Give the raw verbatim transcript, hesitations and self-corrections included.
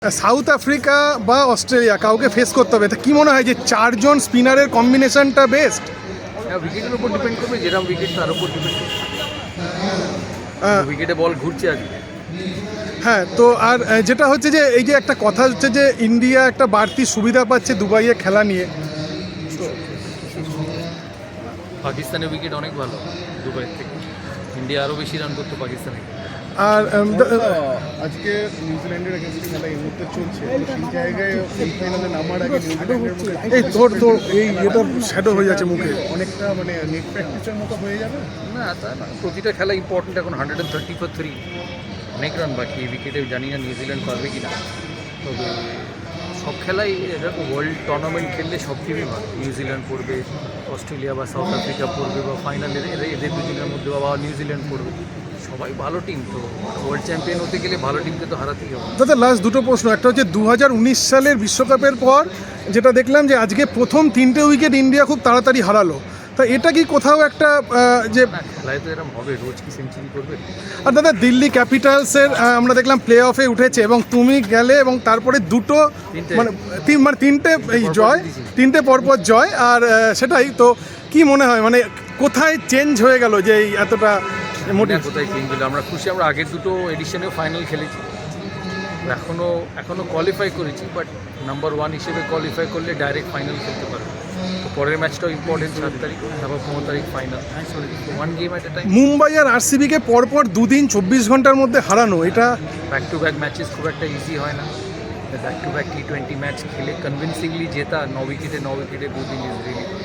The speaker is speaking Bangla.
সাউথ আফ্রিকা বা অস্ট্রেলিয়া কাউকে ফেস করতে হবে, তা কি মনে হয় যে চারজন স্পিনারের কম্বিনেশনটা বেস্ট? উইকেটের উপর ডিপেন্ড করবে, যেরকম উইকেট তার উপর ডিপেন্ড করবে। উইকেটে বল ঘুরছে আজকে। হ্যাঁ, তো আর আহ, যেটা হচ্ছে যে এই যে একটা কথা হচ্ছে যে ইন্ডিয়া একটা বাড়তি সুবিধা পাচ্ছে দুবাইয়ে খেলা নিয়ে। পাকিস্তানের উইকেট অনেক ভালো দুবাইয়ের থেকে, ইন্ডিয়া আরও বেশি রান করতো পাকিস্তানে। আর উম, দ- আজকে নিউজিল্যান্ডের এগেনস্টে খেলা এই মুহূর্তে চলছে, তো সেই জায়গায় সেমিফাইনালে নামার আগে নিউজিল্যান্ডের মুখে এই তোর তোর এই এটা শ্যাডো হয়ে যাচ্ছে মুখে। অনেকটা মানে নেট প্র্যাকটিসের মতো হয়ে যাবে। না তা না, প্রতিটা খেলা ইম্পর্টেন্ট। এখন hundred and thirty four three অনেক রান বাকি উইকেটে, জানি না নিউজিল্যান্ড পারবে কি না। তবে সব খেলাই এরকম ওয়ার্ল্ড টুর্নামেন্ট খেললে সব টিমই ভালো। নিউজিল্যান্ড পড়বে, অস্ট্রেলিয়া বা সাউথ আফ্রিকা পড়বে, বা ফাইনালে এদের দুজনের মধ্যে বা নিউজিল্যান্ড পড়বে, সবাই ভালো টিম। তো ওয়ার্ল্ড চ্যাম্পিয়ন হতে গেলে ভালো টিমকে তো হারাতেই হবে। দাদা লাস্ট দুটো প্রশ্ন, একটা হচ্ছে দু হাজার উনিশ সালের বিশ্বকাপের পর যেটা দেখলাম যে আজকে প্রথম তিনটে উইকেট ইন্ডিয়া খুব তাড়াতাড়ি হারালো, তা এটা কি কোথাও একটা আহ, যে না, খেলায় তো এরকম হবে, রোজ কি সেঞ্চুরি করবে? আর দাদা দিল্লি ক্যাপিটালসের আহ, আমরা দেখলাম প্লে অফে উঠেছে এবং তুমি গেলে এবং তারপরে দুটো তিনটে। মানে তিন মানে তিনটে এই পরপর জয়, দিয়েছি। তিনটে পরপর জয়। আর আহ, সেটাই তো কি মনে হয় মানে কোথায় চেঞ্জ হয়ে গেল যে এই এতটা মোটিভ? না, কোথায় চেঞ্জ হলো? আমরা খুশি, আমরা আগের দুটো এডিশনেও ফাইনাল খেলেছি, এখনও এখনও কোয়ালিফাই করেছি, বাট নাম্বার ওয়ান হিসেবে কোয়ালিফাই করলে ডাইরেক্ট ফাইনাল খেলতে পারবে। তো পরের ম্যাচটাও ইম্পর্টেন্ট, সাত তারিখ, তারপর পনেরো তারিখ final. One game at a time. Mumbai আর আরসিবিকে পরপর দুদিন চব্বিশ ঘন্টার মধ্যে হারানো, এটা ব্যাক টু ব্যাক ম্যাচেস খুব একটা ইজি হয় না। Back to back T twenty match খেলে কনভিনসিংলি জেতা, ন উইকেটে ন উইকেটে দুদিন ইজ রিয়েলি